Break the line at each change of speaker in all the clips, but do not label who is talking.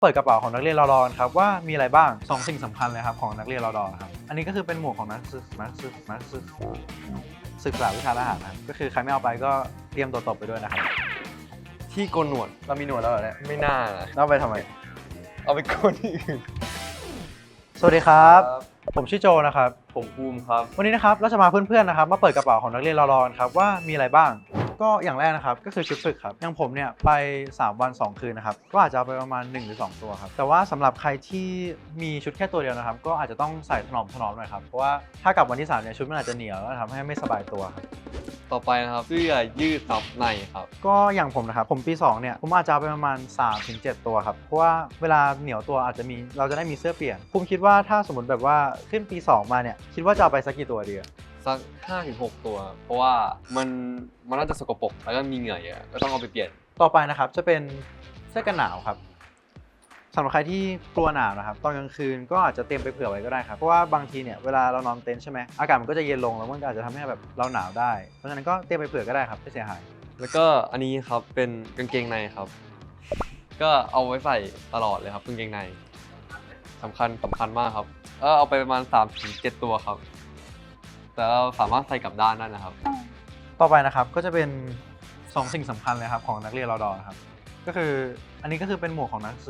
เปิดกระเป๋าของนักเรียนรอดอกันครับว่ามีอะไรบ้าง2สิ่งสำคัญเลยครับของนักเรียนรอดอครับอันนี้ก็คือเป็นหมวกของนักศึกษาวิชาทหารนะครับก็คือใครไม่เอาไปก็เตรียมตัวตบไปด้วยนะครับ
ที่โกนหนวด
เรามีหนวดแล้วเหรอเนี่ย
ไม่น่านะ
เอาไปทำไม
เอาไปโกนที่อื่น
สวัสดีครับผมชื่อโจนะครับ
ผมภูมิครับ
วันนี้นะครับเราจะมาเพื่อนๆนะครับมาเปิดกระเป๋าของนักเรียนรอดอกันครับว่ามีอะไรบ้างก็อย่างแรกนะครับก็คือชุดฝึกครับอย่างผมเนี่ยไป3 วัน 2 คืนนะครับก็อาจจะเอาไปประมาณ1 หรือ 2 ตัวครับแต่ว่าสำหรับใครที่มีชุดแค่ตัวเดียวนะครับก็อาจจะต้องใส่ถนอมหน่อยครับเพราะว่าถ้ากลับวันที่3เนี่ยชุดมันอาจจะเหนียวแล้วทำให้ไม่สบายตัวครับ
ต่อไปนะครับเสื้อยืดซับในครับ
ก็อย่างผมนะครับผมปี2เนี่ยผมอาจจะเอาไปประมาณ 3-7 ตัวครับเพราะว่าเวลาเหนียวตัวอาจจะมีเราจะได้มีเสื้อเปลี่ยนผมคิดว่าถ้าสมมติแบบว่าขึ้นปี2มาเนี่ยคิดว่าจะเอาไปสักกี่ตัวดี
สัก 5-6 ตัวเพราะว่ามันน่าจะสกปรกแล้วก็มีเหงื่อเยอะก็ต้องเอาไปเปลี่ยน
ต่อไปนะครับจะเป็นเสื้อกันหนาวครับสำหรับใครที่กลัวหนาวนะครับตอนกลางคืนก็อาจจะเตรียมไปเผื่อไว้ก็ได้ครับเพราะว่าบางทีเนี่ยเวลาเรานอนเต็นท์ใช่ไหมอากาศมันก็จะเย็นลงแล้วมันก็อาจจะทำให้แบบเราหนาวได้เพราะฉะนั้นก็เตรียมไปเผื่อก็ได้ครับไม่เสียหาย
แล้วก็อันนี้ครับเป็นกางเกงในครับก็เอาไว้ใส่ตลอดเลยครับกางเกงในสำคัญมากครับเอาไปประมาณ 3-7 ตัวครับแต่เราสามารถใส่กลับด้านได้นะครับ
ต่อไปนะครับก็จะเป็น2 สิ่งสำคัญเลยครับของนักเรียนรอดอครับก็คืออันนี้ก็คือเป็นหมวกของนัก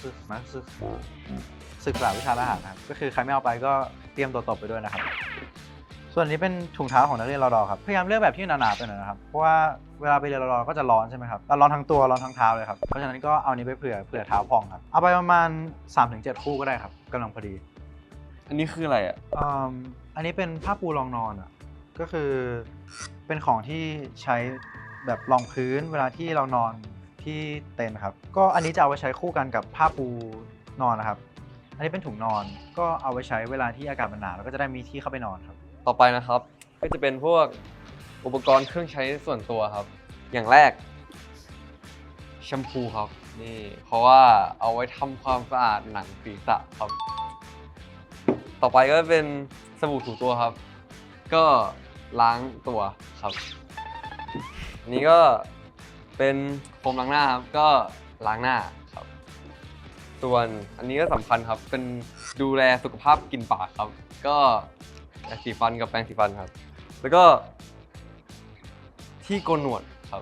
ศึกษาวิชาทหารครับก็คือใครไม่เอาไปก็เตรียมตัวตบไปด้วยนะครับส่วนนี้เป็นถุงเท้าของนักเรียนรอดอครับพยายามเลือกแบบที่หนาๆไปหน่อยนะครับเพราะว่าเวลาไปเรียนรอดอก็จะร้อนใช่ไหมครับร้อนทั้งตัวร้อนทั้งเท้าเลยครับเพราะฉะนั้นก็เอานี้ไปเผื่อเท้าพองครับเอาไปประมาณ 3-7 คู่ก็ได้ครับกำลังพอดี
อันนี้คืออะไรอ่ะ
อันนี้เป็นผ้าปูรองนอนอ่ะก็คือเป็นของที่ใช้แบบรองพื้นเวลาที่เรานอนที่เต็นท์ครับก็อันนี้จะเอาไว้ใช้คู่กันกับผ้าปูนอนนะครับอันนี้เป็นถุงนอนก็เอาไว้ใช้เวลาที่อากาศมันหนาวแล้วก็จะได้มีที่เข้าไปนอนครับ
ต่อไปนะครับก็จะเป็นพวกอุปกรณ์เครื่องใช้ส่วนตัวครับอย่างแรกแชมพูครับนี่เพราะว่าเอาไว้ทำความสะอาดหนังศีรษะครับต่อไปก็เป็นสบู่ถูตัวครับก็ล้างตัวครับอันนี้ก็เป็นโฟมล้างหน้าครับก็ล้างหน้าครับส่วนอันนี้ก็สำคัญครับเป็นดูแลสุขภาพกลิ่นปากครับก็ยาสีฟันกับแปรงสีฟันครับแล้วก็ที่โกนหนวดครับ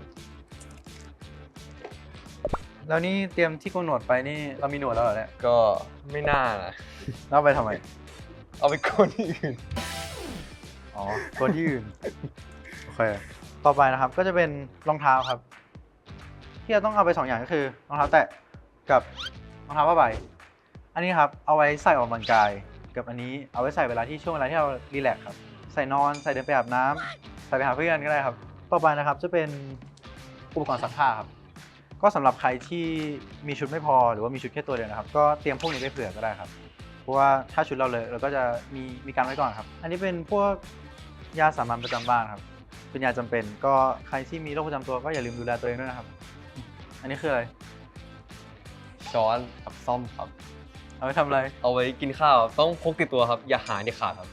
แล้วนี่เตรียมที่โกนหนวดไปนี่เรามีหนวดแล้วเหรอเนี่ย
ก็ไม่น่านะ
เอาไปทำไม
เอาไปโกนที่อื่น
อ๋อโกนที่อื่นโอเคต่อไปนะครับก็จะเป็นรองเท้าครับที่เราต้องเอาไป2 อย่างก็คือรองเท้าแตะกับรองเท้าผ้าใบอันนี้ครับเอาไว้ใส่ออกกำลังกายกับอันนี้เอาไว้ใส่เวลาที่เรารีแลกซ์ครับใส่นอนใส่เดินไปอาบน้ำใส่ไปหาเพื่อนก็ได้ครับต่อไปนะครับจะเป็นอุปกรณ์ซักผ้าครับก็สำหรับใครที่มีชุดไม่พอหรือว่ามีชุดแค่ตัวเดียวนะครับก็เตรียมพวกนี้ไปเผื่อก็ได้ครับเพราะว่าถ้าชุดเราเลยเราก็จะมีการไว้ก่อนครับอันนี้เป็นพวกยาสามัญประจำบ้านครับเป็นยาจำเป็นก็ใครที่มีโรคประจำตัวก็อย่าลืมดูแลตัวเองด้วยนะครับอันนี้คืออะไร
ช้อนกับซ่อมครับ
เอาไว้ทำอะไร
เอาไว้กินข้าวต้องพกติดตัวครับอย่าหายเด็ดขาดครับ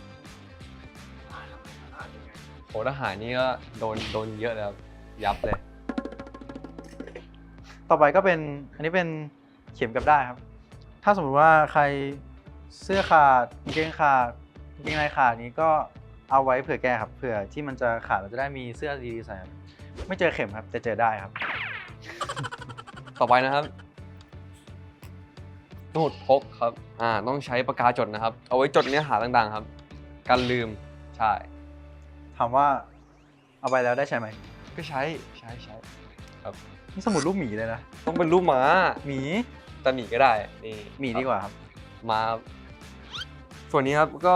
โหทหารนี่ก็โดนเยอะเลยครับยับเลย
ต่อไปก็เป็นอันนี้เป็นเข็มกับได้ครับถ้าสมมติว่าใครเสื้อขาดกางเกงขาดกางเกงในขาดนี้ก็เอาไว้เผื่อแก้ครับเผื่อที่มันจะขาดเราจะได้มีเสื้อดีๆใส่ครับไม่เจอเข็มครับแต่เจอได้ครับ
ต่อไปนะครับสมุดพกครับต้องใช้ปากกาจดนะครับเอาไว้จดเนื้อหาต่างๆครับกันลืมใช่
ถามว่าเอาไปแล้วได้ใช้ไหม
ก็ใช้ครับ
นี่สมุดรูปหมีเลยนะ
ต้องเป็นรูปหมา
หมี
แต่หมีก็ได้นี่
หมีดีกว่าครับ
มาส่วนนี้ครับก็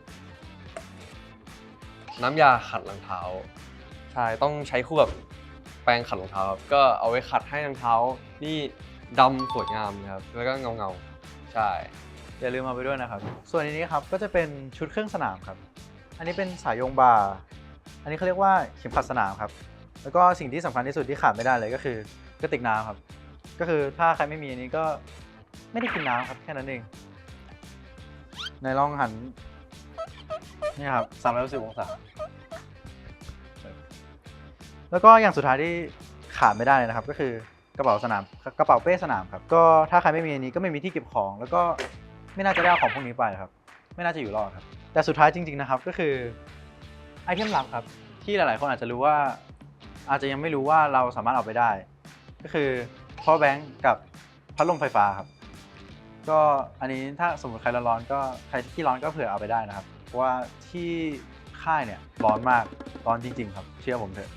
น้ำยาขัดรองเท้าใช่ต้องใช้คู่กับแปรงขัดรองเท้าครับก็เอาไว้ขัดให้รองเท้านี่ดำสวยงามนะครับแล้วก็เงาใช่
อย่าลืมเอาไปด้วยนะครับส่วนนี้ครับก็จะเป็นชุดเครื่องสนามครับอันนี้เป็นสายโยงบ่าอันนี้เขาเรียกว่าเข็มขัดสนามครับแล้วก็สิ่งที่สำคัญที่สุดที่ขาดไม่ได้เลยก็คือกระติกน้ำครับก็คือถ้าใครไม่มีอันนี้ก็ไม่ได้กินน้ำครับแค่นั้นเองในลองหันนี่ครับ360 องศาแล้วก็อย่างสุดท้ายที่ขาดไม่ได้เลยนะครับก็คือกกระเป๋าสนามกระเป๋าเป้สนามครับก็ถ้าใครไม่มีอันนี้ก็ไม่มีที่เก็บของ แล้วก็ไม่น่าจะได้เอาของพวกนี้ไปครับไม่น่าจะอยู่รอดครับแต่สุดท้ายจริงๆนะครับก็คือไอเทมลับครับที่หลายๆคนอาจจะรู้ว่าอาจจะยังไม่รู้ว่าเราสามารถเอาไปได้ ก็คือ power bank กับพัดลมไฟฟ้าครับก็อันนี้ถ้าสมมติใครร้อนๆก็ใครที่ร้อนก็เผื่อเอาไปได้นะครับเพราะว่าที่ค่ายเนี่ยร้อนมากร้อนจริงๆครับเชื่อผมเถอะ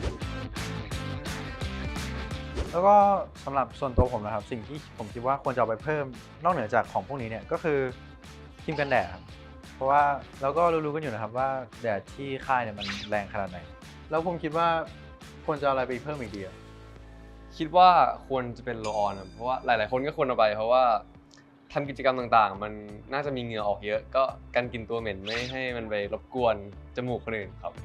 แล้วก็สำหรับส่วนตัวผมนะครับสิ่งที่ผมคิดว่าควรจะเอาไปเพิ่มนอกเหนือจากของพวกนี้เนี่ยก็คือครีมกันแดดครับเพราะว่าเราก็รู้ๆกันอยู่นะครับว่าแดดที่ค่ายเนี่ยมันแรงขนาดไหนแล้วผมคิดว่าควรจะเอาอะไรไปเพิ่มอีกดีอะ
คิดว่าควรจะเป็นโรลออนครับเพราะว่าหลายๆคนก็ควรเอาไปเพราะว่าทำกิจกรรมต่างๆ มันน่าจะมีเหงื่อออกเยอะ ก็กันกลิ่นตัวเหม็นไม่ให้มันไปรบกวนจมูกคนอื่นครับ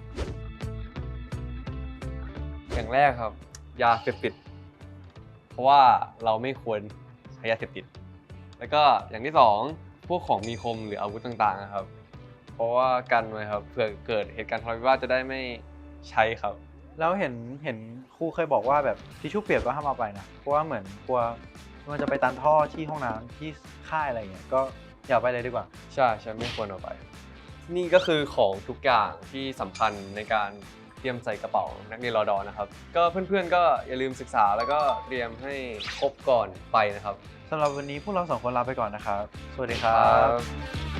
อย่างแรกครับยาเสพติดเพราะว่าเราไม่ควรใช้ยาเสพติดแล้วก็อย่างที่สองพวกของมีคมหรืออาวุธต่างๆนะครับเพราะว่ากันไว้ครับเผื่อเกิดเหตุการณ์ทะเลาะวิวาทจะได้ไม่ใช้ครับ
แล้วเห็นครูเคยบอกว่าแบบทิชชู่เปียกก็ห้ามเอาไปนะเพราะว่าเหมือนกลัวมันจะไปตันท่อที่ห้องน้ำที่ค่ายอะไรเงี้ยก็อย่าเอาไปเลยดีกว่า
ใช่ไม่ควรเอาไป นี่ก็คือของทุกอย่างที่สำคัญในการเตรียมใส่กระเป๋านักเรียนรอดอนะครับ ก็เพื่อนๆก็อย่าลืมศึกษาแล้วก็เตรียมให้ครบก่อนไปนะครับ
สำหรับวันนี้พวกเราสองคนลาไปก่อนนะครับ สวัสดีครับ